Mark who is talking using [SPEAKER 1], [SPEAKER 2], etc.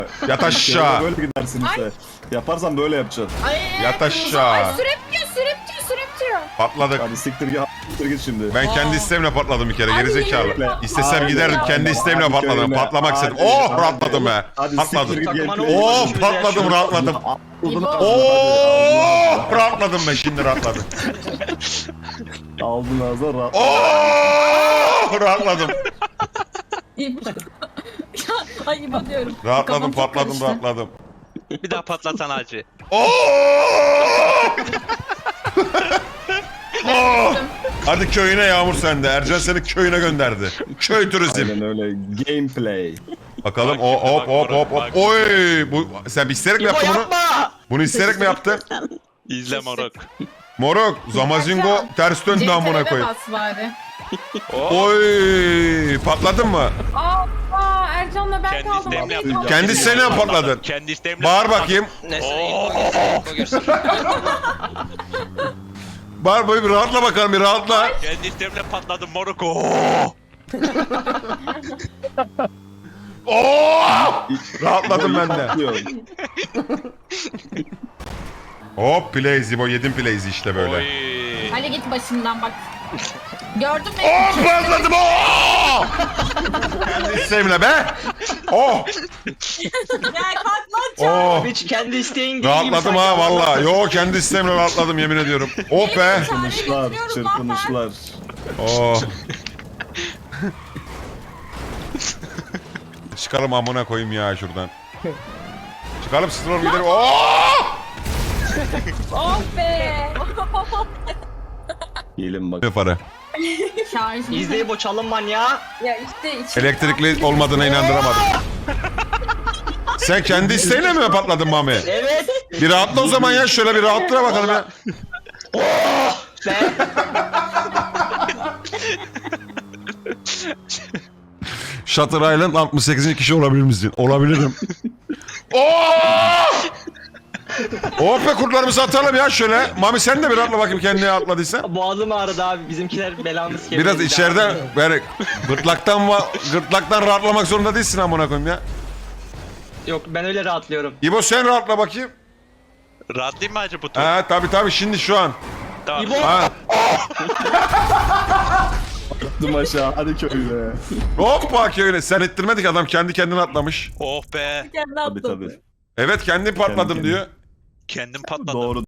[SPEAKER 1] Yat aşağı.
[SPEAKER 2] Böyle gidersin işte. Yaparsan böyle yapacaksın.
[SPEAKER 3] Ay,
[SPEAKER 1] Yat aşağı.
[SPEAKER 3] Sürüp diyor.
[SPEAKER 1] Patladık.
[SPEAKER 2] Hadi siktir git şimdi.
[SPEAKER 1] Ben kendi isteğimle patladım bir kere. Gerizekalı.
[SPEAKER 2] Bekle.
[SPEAKER 1] İstesem
[SPEAKER 2] Aynen,
[SPEAKER 1] giderdim. Kendi
[SPEAKER 2] aynen.
[SPEAKER 1] isteğimle
[SPEAKER 2] Hadi
[SPEAKER 1] patladım.
[SPEAKER 2] köyüne.
[SPEAKER 1] Patlamak istedim.
[SPEAKER 2] Hadi,
[SPEAKER 1] Oh
[SPEAKER 2] hadi.
[SPEAKER 1] rahatladım be.
[SPEAKER 2] Hadi
[SPEAKER 1] Patladım.
[SPEAKER 2] siktir git
[SPEAKER 4] Takımına
[SPEAKER 2] gameplay.
[SPEAKER 1] Oh patladım rahatladım.
[SPEAKER 2] Aldın
[SPEAKER 1] Oh rahatladım ben şimdi rahatladım.
[SPEAKER 2] Aldın ağzına rahat.
[SPEAKER 1] Oh rahatladım.
[SPEAKER 3] Ay İbo diyorum.
[SPEAKER 1] Rahatladım
[SPEAKER 3] Kafam çok
[SPEAKER 1] patladım
[SPEAKER 3] karıştı.
[SPEAKER 1] rahatladım.
[SPEAKER 4] Bir daha patlatan acı.
[SPEAKER 1] Oh! Oh! Hadi köyüne Yağmur sende. Ercan seni köyüne gönderdi. Köy turizm.
[SPEAKER 2] Aynen öyle. Gameplay.
[SPEAKER 1] Bakalım
[SPEAKER 4] Bak
[SPEAKER 1] hop
[SPEAKER 4] şimdi,
[SPEAKER 1] hop
[SPEAKER 4] bak
[SPEAKER 1] hop
[SPEAKER 4] Murat,
[SPEAKER 1] hop hop.
[SPEAKER 4] bak.
[SPEAKER 1] Oy! Bu sen isteyerek mi yaptın bunu? Bunu isteyerek mi yaptın?
[SPEAKER 4] İzle moruk.
[SPEAKER 1] Moruk, Zamazingo ters döndü amına koyayım.
[SPEAKER 3] bas bari.
[SPEAKER 4] Oh.
[SPEAKER 1] Oy! Patladın mı?
[SPEAKER 3] Aa Ercan'la ben
[SPEAKER 4] Kendi
[SPEAKER 3] kaldım.
[SPEAKER 4] isteğimle yaptım.
[SPEAKER 1] Kendi isteğinle mi patladın?
[SPEAKER 4] Kendi isteğimle
[SPEAKER 1] Bağır
[SPEAKER 4] patladım.
[SPEAKER 1] bakayım.
[SPEAKER 5] Neyse İbo görsün.
[SPEAKER 1] Bağır böyle bir rahatla bakalım bir rahatla.
[SPEAKER 4] Kendi isteğimle patladım moruk. Oh.
[SPEAKER 1] Oh! Rahatladım ben de.
[SPEAKER 2] Patlıyor.
[SPEAKER 1] Hop play Zibo yedim plays'i işte böyle.
[SPEAKER 4] Oy.
[SPEAKER 3] Ali git başımdan bak. Gördün mü?
[SPEAKER 1] Oh patladım oh! Kendi isteğimle be. Oh!
[SPEAKER 3] Ya kalk lan.
[SPEAKER 1] Oh!
[SPEAKER 5] Hiç kendi isteğin gibi
[SPEAKER 1] Rahatladım ha valla. Yo kendi isteğimle rahatladım yemin ediyorum. Oh be.
[SPEAKER 2] Çırpınışlar, çırpınışlar.
[SPEAKER 1] Oh. Çıkalım amına koyayım ya şuradan. Çıkalım sıçralım gidelim. Oh!
[SPEAKER 3] Oh be.
[SPEAKER 2] Gelin bak.
[SPEAKER 1] Ne para?
[SPEAKER 3] Şarjım.
[SPEAKER 5] İzle İbo çalın manyağı.
[SPEAKER 3] Ya işte
[SPEAKER 1] Elektrikli olmadığına inandıramadım. Sen kendi isteğinle mi patladın Mami?
[SPEAKER 5] Evet.
[SPEAKER 1] Bir rahatla o zaman ya şöyle bir rahatla bakalım ya.
[SPEAKER 5] Be.
[SPEAKER 1] Shutter Island 68. kişi olabilir misin? Olabilirim. Oh! Oh be kurtlarımızı atalım ya şöyle. Mami sen de bir rahatla bakayım kendine atladıysa.
[SPEAKER 5] Boğazım ağrıdı abi. Bizimkiler belamız kemiği.
[SPEAKER 1] Biraz içeride böyle gırtlaktan rahatlamak zorunda değilsin amına koyayım ya.
[SPEAKER 5] Yok ben öyle rahatlıyorum.
[SPEAKER 1] İbo sen rahatla bakayım.
[SPEAKER 4] Rahatlayayım mı acı bu tur?
[SPEAKER 1] Ha tabi şimdi şu an.
[SPEAKER 4] Tamam.
[SPEAKER 5] İbo.
[SPEAKER 1] Ha.
[SPEAKER 2] Attım aşağı. Hadi köyüne.
[SPEAKER 1] Hoppa köyüne. Sen ettirmedik adam kendi kendine atlamış.
[SPEAKER 4] Oh be.
[SPEAKER 3] kendi
[SPEAKER 2] Tabii
[SPEAKER 3] attım.
[SPEAKER 2] tabii.
[SPEAKER 1] Evet kendim patladım
[SPEAKER 2] Kendi
[SPEAKER 1] diyor.
[SPEAKER 4] Kendim patladım.
[SPEAKER 2] Doğru.